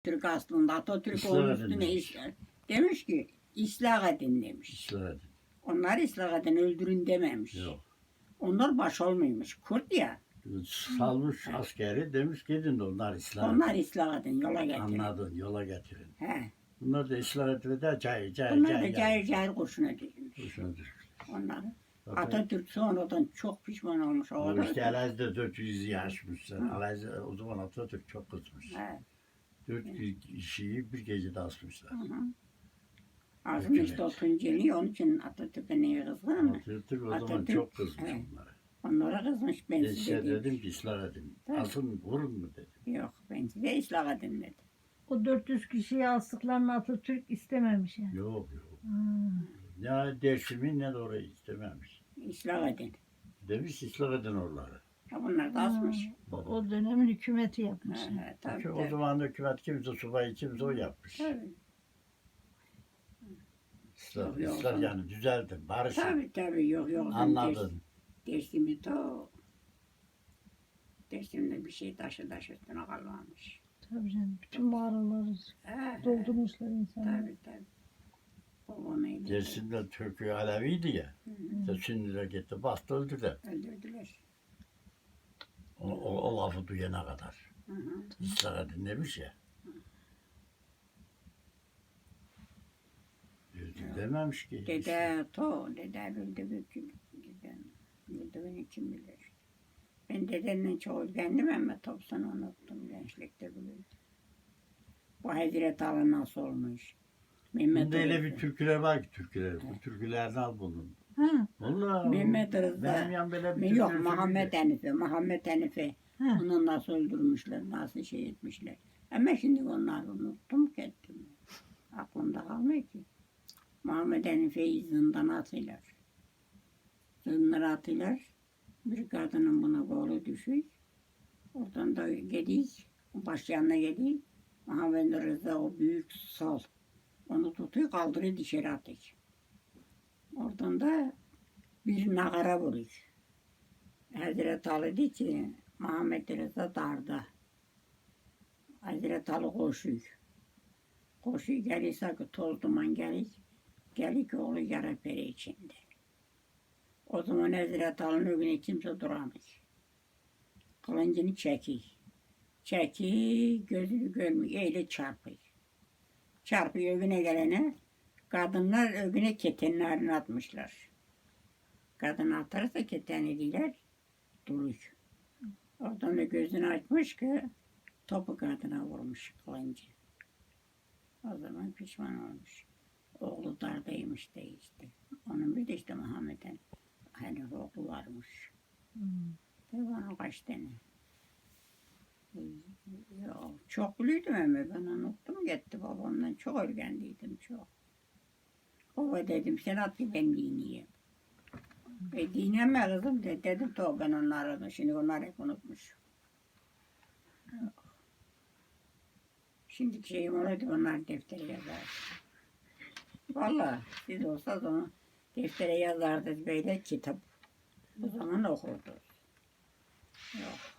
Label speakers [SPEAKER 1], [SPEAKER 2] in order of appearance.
[SPEAKER 1] Türk aslında Atatürk
[SPEAKER 2] İslah
[SPEAKER 1] onun
[SPEAKER 2] edin
[SPEAKER 1] üstüne
[SPEAKER 2] demiş.
[SPEAKER 1] demiş ki ıslah edin demiş.
[SPEAKER 2] İslah edin.
[SPEAKER 1] Onlar ıslah edin öldürün dememiş.
[SPEAKER 2] Yok.
[SPEAKER 1] Onlar baş olmuyormuş. Kurt ya.
[SPEAKER 2] Salmış askeri demiş gidin de onlar ıslah edin.
[SPEAKER 1] Onlar ıslah edin yola getirin.
[SPEAKER 2] Anladın yola getirin.
[SPEAKER 1] He.
[SPEAKER 2] Bunlar da ıslah etmeden cahil
[SPEAKER 1] Bunlar da cahil cahil kurşuna dizilmiş.
[SPEAKER 2] Kurşuna düşmüş.
[SPEAKER 1] Onlar.
[SPEAKER 2] Zaten
[SPEAKER 1] Atatürk sonradan çok pişman olmuş. O
[SPEAKER 2] o
[SPEAKER 1] kadar.
[SPEAKER 2] işte Elazığ'da 400 yaşmışlar.
[SPEAKER 1] Hı.
[SPEAKER 2] Elazığ o zaman Atatürk çok kızmış.
[SPEAKER 1] He.
[SPEAKER 2] 400 kişiyi bir gecede asmışlar.
[SPEAKER 1] Hı hı. Azmış da o Tunceli, onun için Atatürk'e niye kızgın ama
[SPEAKER 2] Atatürk o zaman
[SPEAKER 1] Atatürk,
[SPEAKER 2] çok kızmış
[SPEAKER 1] evet.
[SPEAKER 2] onlara.
[SPEAKER 1] onlara kızmış. Ben size
[SPEAKER 2] Size
[SPEAKER 1] dedim.
[SPEAKER 2] dedim ki ıslah edin.
[SPEAKER 1] Tabii.
[SPEAKER 2] Asın vurun mu dedim.
[SPEAKER 1] Yok ben size ıslah edin dedi.
[SPEAKER 3] O 400 kişiyi astıklarını Atatürk istememiş yani.
[SPEAKER 2] Yok yok.
[SPEAKER 3] Hmm.
[SPEAKER 2] Ne Dersim'i ne de orayı istememiş.
[SPEAKER 1] Islah edin.
[SPEAKER 2] Demiş ıslah edin oraları.
[SPEAKER 1] Ha, bunlar da asmış.
[SPEAKER 3] O dönemin hükümeti yapmış.
[SPEAKER 1] He, he, tabii,
[SPEAKER 2] Çünkü o
[SPEAKER 1] tabii.
[SPEAKER 2] zaman hükümet kimse subay kimse o yapmış.
[SPEAKER 1] Tabii.
[SPEAKER 2] Islah,
[SPEAKER 1] Yok,
[SPEAKER 2] ıslah
[SPEAKER 1] yok.
[SPEAKER 2] yani düzeltin, barışın.
[SPEAKER 1] Tabii yok.
[SPEAKER 2] Anladın.
[SPEAKER 1] Dersimde to dersimde bir şey taşı üstüne kalmamış.
[SPEAKER 3] Tabii canım. Bütün mağaraları
[SPEAKER 1] He,
[SPEAKER 3] doldurmuşlar insanlar.
[SPEAKER 1] tabii. Babam öyle.
[SPEAKER 2] Dersimde Türk'ü Aleviydi ya.
[SPEAKER 1] Hı,
[SPEAKER 2] Şimdi de gitti bastı öldüler.
[SPEAKER 1] öldürdüler.
[SPEAKER 2] O lafı duyana kadar.
[SPEAKER 1] Hı hı.
[SPEAKER 2] Islah edin demiş ya. Dememiş ki.
[SPEAKER 1] Dede öldü beni kim bilir. Ben dedenle çok öğrendim ama topsunu unuttum gençlikte bilirdim. Bu Hazreti Ali nasıl olmuş? Mehmet
[SPEAKER 2] Bunda öyle bir
[SPEAKER 1] Rıza.
[SPEAKER 2] türküler var ki türküler. Bu türkülerden al bunu.
[SPEAKER 3] Ha,
[SPEAKER 2] Vallahi.
[SPEAKER 1] Mehmet Rıza.
[SPEAKER 2] Benim yan böyle bir
[SPEAKER 1] Yok
[SPEAKER 2] türkü
[SPEAKER 1] Muhammed Hanife.
[SPEAKER 3] ha.
[SPEAKER 1] Onu nasıl öldürmüşler, nasıl şey etmişler. Ama şimdi onları unuttum kettim. Aklımda kalmıyor ki. Muhammed Hanife'yi zindana atıyorlar. Zindana atıyorlar. Bir kadının buna kolu düşüyor. Oradan da gidiyor. Baş yanına gidiyor. Muhammed Rıza o büyük sal. Onu tutuyor kaldırıyor dışarı atıyor. Oradan da bir nagara vuruyor. Hazreti Ali diyor ki Muhammed Rıza darda. Hazreti Ali koşuyor. Koşuyor gelirse ki toz duman geliyor. Geliyor ki oğlu yara peri içinde. O zaman Hazreti Ali'nin önüne kimse duramıyor. Kılıncını çekiyor. Çekiyor, gözünü görmüyor, öyle çarpıyor. Çarpıyor önüne gelene, kadınlar önüne ketenlerini atmışlar. Kadın atarsa keten ediler, duruyor. Oradan da gözünü açmış ki, topu kadına vurmuş kılıncı. O zaman pişman olmuş. Oğlu dardaymış de işte. Onun bir de işte Muhammed'in hani oğlu varmış.
[SPEAKER 3] Hmm.
[SPEAKER 1] Tabii ona kaç tane. Ya, çok büyüdüm ama ben unuttum gitti babamdan. Çok örgendiydim çok. Baba dedim sen at ki ben dinleyeyim. Dinleme kızım dedim to ben onları şimdi onlar hep unutmuş. Şimdiki şeyim olaydı onlar deftere yazar. Vallahi siz olsa zaman deftere yazardı böyle kitap. Bu zaman okurdu. Yok.